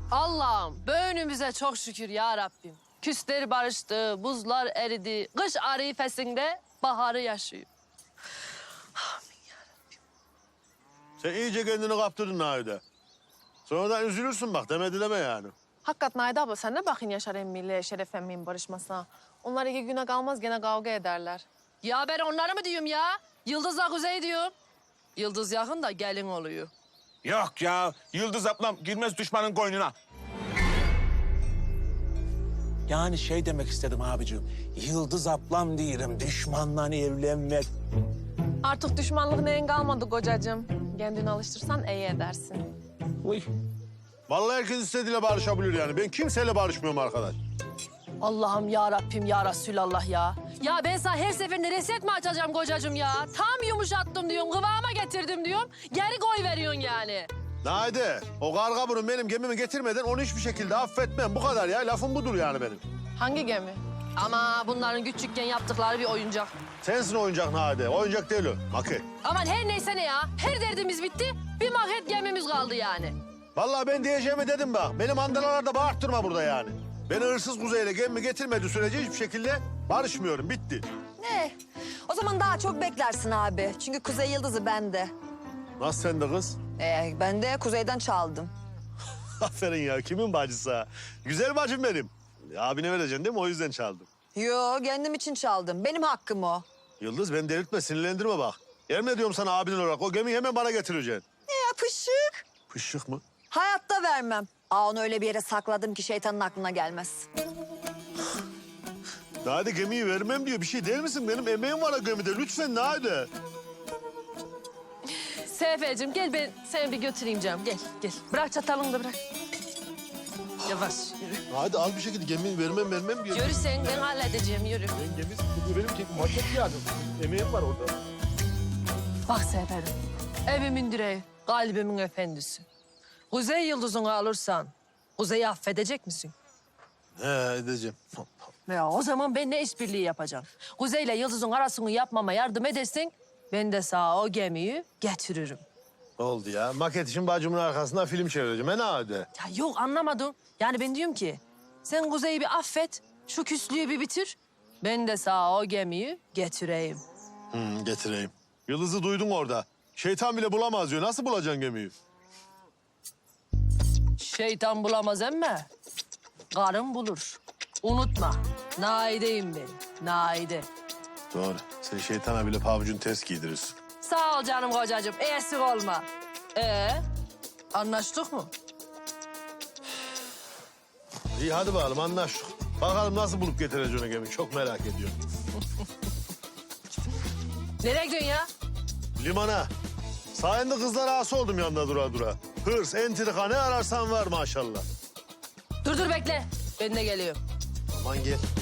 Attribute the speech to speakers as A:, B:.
A: Allah'ım böğünümüze çok şükür ya Rabbim. Küsler barıştı, buzlar eridi. Kış arifesinde baharı yaşıyor.
B: Sen iyice kendini kaptırdın Naide. Sonradan üzülürsün bak demedi deme yani.
C: Hakikat Naide abla sen ne bakın Yaşar emmiyle Şeref emmi'nin barışmasına. Onlar 2 güne kalmaz gene kavga ederler.
A: Ya ben onları mı diyorum ya? Yıldız'la Kuzey diyorum. Yıldız yakın da gelin oluyor.
D: Yok ya, Yıldız ablam girmez düşmanın koynuna. Yani şey demek istedim abicim. Yıldız ablam diyelim, düşmanla evlenmek.
C: Artık düşmanlık neyin kalmadı kocacığım. Kendini alıştırsan iyi edersin.
D: Uy.
B: Vallahi herkes istediğiyle barışabilir yani. Ben kimseyle barışmıyorum arkadaş.
A: Allah'ım ya Rabbim ya Resulallah ya. Ya ben sana her seferinde reset mi açacağım kocacığım ya? Tam yumuşattım diyorum, kıvama getirdim diyorum. Geri koy veriyorsun yani.
B: Naide, o karga burun benim gemimi getirmeden onu hiçbir şekilde affetmem. Bu kadar ya. Lafım budur yani benim.
C: Hangi gemi?
A: Ama bunların küçükken yaptıkları bir oyuncak.
B: Sensin oyuncak Naide. Oyuncak değil o. Maket.
A: Aman her neyse ne ya. Her derdimiz bitti. Bir maket gemimiz kaldı yani.
B: Vallahi ben diyeceğimi dedim bak. Benim andalalarda bağırttırma burada yani. Beni hırsız Kuzey'le gemimi getirmediği sürece hiçbir şekilde barışmıyorum. Bitti.
E: Ne? O zaman daha çok beklersin abi. Çünkü Kuzey Yıldızı bende.
B: Nasıl sen de kız?
E: Ben de Kuzey'den çaldım.
B: Aferin ya. Kimin bacısı ha? Güzel bacım benim. Abine vereceksin değil mi? O yüzden çaldım.
E: Yo, kendim için çaldım. Benim hakkım o.
B: Yıldız beni delirtme, sinirlendirme bak. Yemin ediyorum sana abinin olarak o gemiyi hemen bana getireceksin.
E: Ya pışık.
B: Pışık mı?
E: Hayatta vermem. Onu öyle bir yere sakladım ki şeytanın aklına gelmez.
B: Nade gemiyi vermem diyor. Bir şey değil misin? Benim emeğim var o gemide. Lütfen Nade.
A: Seyfeciğim gel ben seni bir götüreyim canım. Gel gel. Bırak çatalını da bırak. Yavaş yürü.
B: Nade al bir şekilde gemiyi vermem diyor.
A: Yürü sen ben halledeceğim yürü.
B: Ben gemi bu benim maket yani. Emeğim var orada.
A: Bak Seyfer'im. Evimin direği, kalbimin efendisi. Kuzey Yıldız'ını alırsan Kuzey'i affedecek misin?
B: He edeceğim.
A: Ya o zaman ben ne işbirliği yapacağım? Kuzey'le Yıldız'ın arasını yapmama yardım edersin. Ben de sana o gemiyi getiririm.
B: Oldu ya. Maket için bacımın arkasından film çevireceğim. He Nade.
A: Ya yok anlamadım. Yani ben diyorum ki sen Kuzey'i bir affet, şu küslüğü bir bitir. Ben de sana o gemiyi getireyim.
B: Getireyim. Yıldız'ı duydun orada. Şeytan bile bulamaz diyor. Nasıl bulacaksın gemiyi?
A: Şeytan bulamaz emme. Karın bulur. Unutma. Naide'yim ben. Naide.
B: Doğru. Sen şeytana bile pabucunu ters giydirirsin.
A: Sağ ol canım kocacığım. Eksik olma. Anlaştık mı?
B: İyi hadi bakalım anlaştık. Bakalım nasıl bulup getireceksin o gemiyi. Çok merak ediyorum.
A: Nereye gidiyorsun ya?
B: Limana. Sayende kızlar ağası oldum yanında dura dura. Hırs, entrika ne ararsan var maşallah.
A: Dur bekle. Ben de geliyorum.
B: Aman gel.